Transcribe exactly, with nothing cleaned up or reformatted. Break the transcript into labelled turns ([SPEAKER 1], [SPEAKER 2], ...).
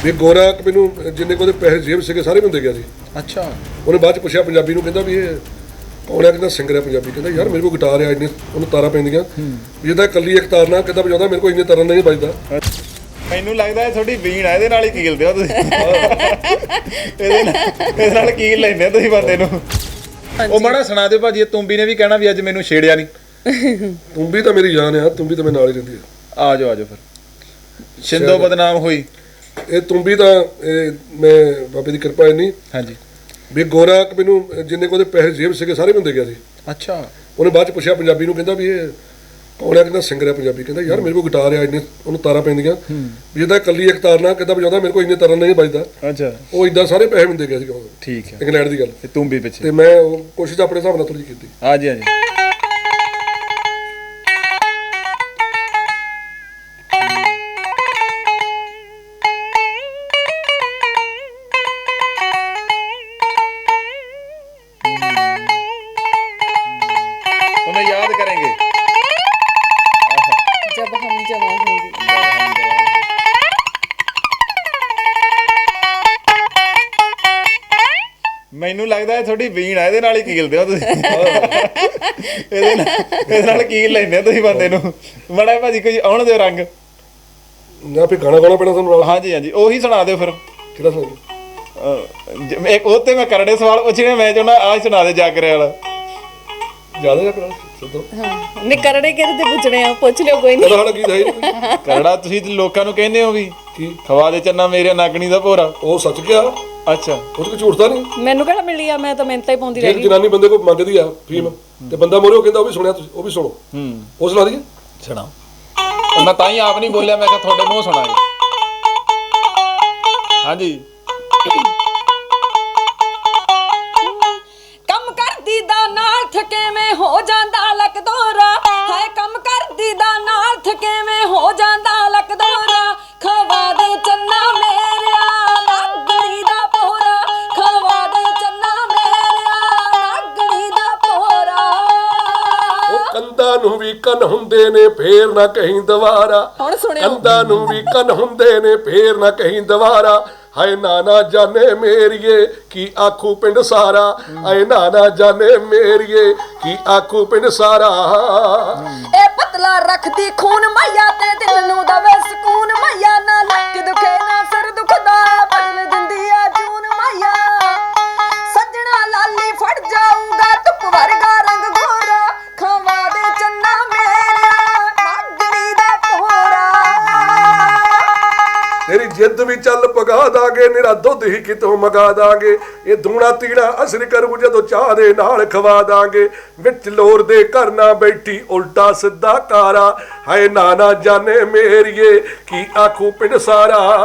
[SPEAKER 1] ਵੀ ਗੋਰਾ ਮੈਨੂੰ ਜਿੰਨੇ ਕੋਦੇ ਪੈਸੇ ਜੇਬ ਸੀਗੇ ਸਾਰੇ ਮੈਨੂੰ ਦੇ ਗਿਆ ਸੀ।
[SPEAKER 2] ਅੱਛਾ।
[SPEAKER 1] ਉਹਨੇ ਬਾਅਦ ਚ ਪੁੱਛਿਆ ਪੰਜਾਬੀ ਨੂੰ, ਕਹਿੰਦਾ ਵੀ ਇਹ ਕੌਣ ਹੈ? ਕਹਿੰਦਾ ਸਿੰਗਰ ਹੈ ਪੰਜਾਬੀ। ਕਹਿੰਦਾ ਯਾਰ ਮੇਰੇ ਕੋਲ ਗਿਟਾਰ ਆ, ਇੰਨੇ ਉਹਨੂੰ ਤਾਰਾਂ ਪੈਂਦੀਆਂ ਵੀ ਇਹਦਾ ਇਕੱਲੀ ਇੱਕ ਤਾਰ ਨਾਲ ਕਿੱਦਾਂ ਵਜਾਉਂਦਾ, ਮੇਰੇ ਕੋਲ ਇੰਨੇ ਤਾਰਾਂ ਨਹੀਂ ਵੱਜਦਾ।
[SPEAKER 2] ਮੈਨੂੰ ਲੱਗਦਾ ਇਹ ਤੁਹਾਡੀ ਵੀਣ ਆ, ਇਹਦੇ ਨਾਲ ਹੀ ਕੀਲਦੇ ਹੋ ਤੁਸੀਂ। ਇਹਦੇ ਨਾਲ ਇਹਦੇ ਨਾਲ ਕੀਲ ਲੈਂਦੇ ਤੁਸੀਂ ਬੰਦੇ ਨੂੰ। ਉਹ ਮਾੜਾ ਸੁਣਾ ਦਿਓ ਭਾਜੀ, ਤੁੰਬੀ ਨੇ ਵੀ ਕਹਿਣਾ ਵੀ ਅੱਜ ਮੈਨੂੰ ਛੇੜਿਆ ਨਹੀਂ।
[SPEAKER 1] ਤੁੰਬੀ ਤਾਂ ਮੇਰੀ ਜਾਨ ਆ, ਤੁੰਬੀ ਤਾਂ ਮੇਰੇ ਨਾਲ ਹੀ ਰਹਿੰਦੀ ਆ।
[SPEAKER 2] ਆ ਜਾਓ ਆ ਜਾਓ ਫਿਰ। ਸ਼ਿੰਦੋ ਬਦਨਾਮ ਹੋਈ
[SPEAKER 1] ਇਹ ਤੁੰਬੀ ਤਾਂ ਇਹ ਮੈਂ ਬਾਬੇ ਦੀ ਕਿਰਪਾ ਇੰਨੀ
[SPEAKER 2] ਹਾਂਜੀ
[SPEAKER 1] ਵੀ ਗੋਰਾ ਮੈਨੂੰ ਜਿੰਨੇ ਕੋਦੇ ਪੈਸੇ ਜੇਬ ਸੀਗੇ ਸਾਰੇ ਮੈਨੂੰ ਦੇ ਗਿਆ ਸੀ।
[SPEAKER 2] ਅੱਛਾ।
[SPEAKER 1] ਉਹਨੇ ਬਾਅਦ ਚ ਪੁੱਛਿਆ ਪੰਜਾਬੀ ਨੂੰ, ਕਹਿੰਦਾ ਵੀ ਇਹ ਕੌਣ ਹੈ? ਕਹਿੰਦਾ ਸਿੰਗਰ ਹੈ ਪੰਜਾਬੀ। ਕਹਿੰਦਾ ਯਾਰ ਮੇਰੇ ਕੋਲ ਗਿਟਾਰ ਆ, ਇੰਨੇ ਉਹਨੂੰ ਤਾਰਾਂ ਪੈਂਦੀਆਂ ਵੀ ਇਹਦਾ ਇਕੱਲੀ ਇੱਕ ਤਾਰ ਨਾਲ ਕਿੱਦਾਂ ਵਜਾਉਂਦਾ, ਮੇਰੇ ਕੋਲ ਇੰਨੇ ਤਾਰਾਂ ਨਹੀਂ ਵੱਜਦਾ।
[SPEAKER 2] ਅੱਛਾ।
[SPEAKER 1] ਉਹ ਇਦਾਂ ਸਾਰੇ ਪੈਸੇ ਮੈਨੂੰ ਦੇ ਗਿਆ ਸੀ।
[SPEAKER 2] ਠੀਕ ਹੈ।
[SPEAKER 1] ਇੰਗਲੈਂਡ ਦੀ ਗੱਲ
[SPEAKER 2] ਤੇ ਤੁੰਬੀ ਪਿੱਛੇ
[SPEAKER 1] ਤੇ ਮੈਂ ਉਹ ਕੋਸ਼ਿਸ਼ ਆਪਣੇ ਹਿਸਾਬ ਨਾਲ ਥੋੜੀ ਜਿਹੀ ਕੀਤੀ।
[SPEAKER 2] ਹਾਂਜੀ ਹਾਂਜੀ। तुम्हें याद करेंगे
[SPEAKER 3] जब हम जवां होंगे।
[SPEAKER 2] ਮੈਨੂੰ ਲੱਗਦਾ ਇਹ ਤੁਹਾਡੀ ਵੀਣ ਆ, ਇਹਦੇ ਨਾਲ ਹੀ ਕੀਲਦੇ ਹੋ ਤੁਸੀਂ। ਇਹਦੇ ਨਾਲ ਇਹਦੇ ਨਾਲ ਕੀਲ ਲੈਂਦੇ ਤੁਸੀਂ ਬੰਦੇ ਨੂੰ। ਮਾੜਾ ਭਾਜੀ ਕੋਈ ਆਉਣ ਦਿਓ ਰੰਗ।
[SPEAKER 1] ਨਾ ਫਿਰ ਗਾਣਾ ਗਾਣਾ ਪੈਣਾ ਤੁਹਾਨੂੰ ਨਾਲ।
[SPEAKER 2] ਹਾਂਜੀ ਹਾਂਜੀ ਉਹੀ ਸੁਣਾ ਦਿਓ ਫਿਰ।
[SPEAKER 1] ਕਿਹੜਾ ਸੁਣਾ?
[SPEAKER 2] ਅਹ ਇੱਕ ਉਹ ਤੇ ਮੈਂ ਕਰੜੇ ਸਵਾਲ ਪੁੱਛਣੇ, ਮੈਂ ਚਾਹੁੰਦਾ ਆਹ ਸੁਣਾ ਦੇ ਜਾਗਰੇ ਵਾਲਾ।
[SPEAKER 1] ਜ਼ਿਆਦਾ ਜਾਂ ਕਰਾ ਸਿੱਧਾ
[SPEAKER 3] ਹਾਂ ਨੇ ਕਰੜੇ ਕਿਹਦੇ ਤੇ ਪੁੱਛਣੇ ਆ, ਪੁੱਛ ਲਿਓ ਕੋਈ ਨਹੀਂ।
[SPEAKER 1] ਕਦਾ ਹਾਲ ਗੀਤ ਹੈ ਹੀ ਨਹੀਂ।
[SPEAKER 2] ਕਰੜਾ ਤੁਸੀਂ ਤੇ ਲੋਕਾਂ ਨੂੰ ਕਹਿੰਦੇ ਹੋ ਵੀ
[SPEAKER 1] ਕੀ
[SPEAKER 2] ਖਵਾ ਦੇ ਚੰਨਾ ਮੇਰੇ ਨਾਗਣੀ ਦਾ ਭੋਰਾ।
[SPEAKER 1] ਉਹ ਸੱਚ ਗਿਆ,
[SPEAKER 2] ਅੱਛਾ।
[SPEAKER 1] ਉਹ ਤੇ ਕੋਈ ਝੂਠਦਾ ਨਹੀਂ।
[SPEAKER 3] ਮੈਨੂੰ ਕਿਹੜਾ ਮਿਲੀ ਆ, ਮੈਂ ਤਾਂ ਮਿਹਨਤਾਂ ਹੀ ਪਾਉਂਦੀ ਰਹਿ
[SPEAKER 1] ਜਿਹੜੀ
[SPEAKER 3] ਗਈ।
[SPEAKER 1] ਜਨਾਨੀ ਬੰਦੇ ਕੋਲ ਮੰਗਦੀ ਆ ਫੀਮ ਤੇ ਬੰਦਾ ਮੋਰੇ ਉਹ ਕਹਿੰਦਾ ਉਹ ਵੀ ਸੁਣਿਆ ਤੁਸੀਂ, ਉਹ ਵੀ ਸੁਣੋ।
[SPEAKER 2] ਹੂੰ
[SPEAKER 1] ਉਹ ਸੁਣਾ ਦਈਏ।
[SPEAKER 2] ਸੁਣਾਓ। ਉਹ ਮੈਂ ਤਾਂ ਹੀ ਆਪ ਨਹੀਂ ਬੋਲਿਆ, ਮੈਂ ਕਿਹਾ ਤੁਹਾਡੇ ਮੂੰਹ ਸੁਣਾਏ। ਹਾਂਜੀ।
[SPEAKER 3] ਕੰਮ ਕਰਦੀ ਦਾ ਨਾਲ ਥਕੇਵੇਂ ਹੋ ਜਾਂਦਾ ਲੱਕ ਦੋਰਾ, ਹਾਏ ਕੰਮ ਕਰਦੀ ਦਾ ਨਾਲ ਥਕੇਵੇਂ ਹੋ ਜਾਂਦਾ ਲੱਕ ਦੋਰਾ। ਖਵਾ ਦੇ ਚੰਨਾ ਮੇਰਿਆ ਨਾਗਣੀ ਦਾ ਪੋਰਾ, ਖਵਾ ਦੇ ਚੰਨਾ ਮੇਰਿਆ ਨਾਗਣੀ ਦਾ ਪੋਰਾ।
[SPEAKER 1] ਉਹ ਕੰਧਾਂ ਨੂੰ ਵੀ ਕੰਨ ਹੁੰਦੇ ਨੇ ਫੇਰ ਨਾ ਕਹੀਂ ਦੁਬਾਰਾ।
[SPEAKER 3] ਹੁਣ ਸੁਣਿਓ।
[SPEAKER 1] ਕੰਧਾਂ ਨੂੰ ਵੀ ਕੰਨ ਹੁੰਦੇ ਨੇ ਫੇਰ ਨਾ ਕਹੀਂ ਦੁਬਾਰਾ। ਹਾਏ ਨਾਨਾ ਜਾਣੇ ਮੇਰੀਏ ਕੀ ਆਖੂ ਪਿੰਡ ਸਾਰਾ, ਹਾਏ ਨਾਨਾ ਜਾਣੇ ਮੇਰੀਏ ਕੀ ਆਖੂ ਪਿੰਡ ਸਾਰਾ।
[SPEAKER 3] ਇਹ ਪਤਲਾ ਰੱਖਦੀ ਖੂਨ ਮਈਆ ਤੇ ਦਿਲ ਨੂੰ ਦਵੇ ਸਕੂਨ ਮਈਆ, ਨਾ ਲੱਕ ਦੁਖੇ ਨਾ ਸਿਰ ਦੁਖਦਾ, ਬਦਲ ਦਿੰਦੀ ਆ ਜੂਨ ਮਈਆ। ਸੱਜਣਾ ਲਾਲੀ ਫੜ ਜਾਊਗਾ ਧੁੱਪ ਵਰਗਾ ਰੰਗ ਗੋਰਾ, ਖਵਾ ਦੇ ਚੰਨਾ ਮੇਰਿਆ ਨਾਗਣੀ ਦਾ ਪੋਰਾ।
[SPEAKER 1] ਤੇਰੀ ਜਿੱਦ ਵੀ ਚੱਲ ਪਗਾ ਦਾਂਗੇ, ਨਿਰਾ ਦੁੱਧ ਹੀ ਕਿਤੋਂ ਮਗਾ ਦਾਂਗੇ। ਇਹ ਦੂਣਾ ਤੀਣਾ ਅਸਰ ਕਰੂ ਜਦੋਂ ਚਾਹ ਦੇ ਨਾਲ ਖਵਾ ਦਾਂਗੇ। ਵਿੱਚ ਲੋਰ ਦੇ ਘਰ ਨਾ ਬੈਠੀ ਉਲਟਾ ਸਿੱਧਾ ਕਾਰਾ, ਹਾਏ ਨਾਨਾ ਜਾਣੇ ਮੇਰੀਏ ਕੀ ਆਖੂ ਪਿੰਡ ਸਾਰਾ।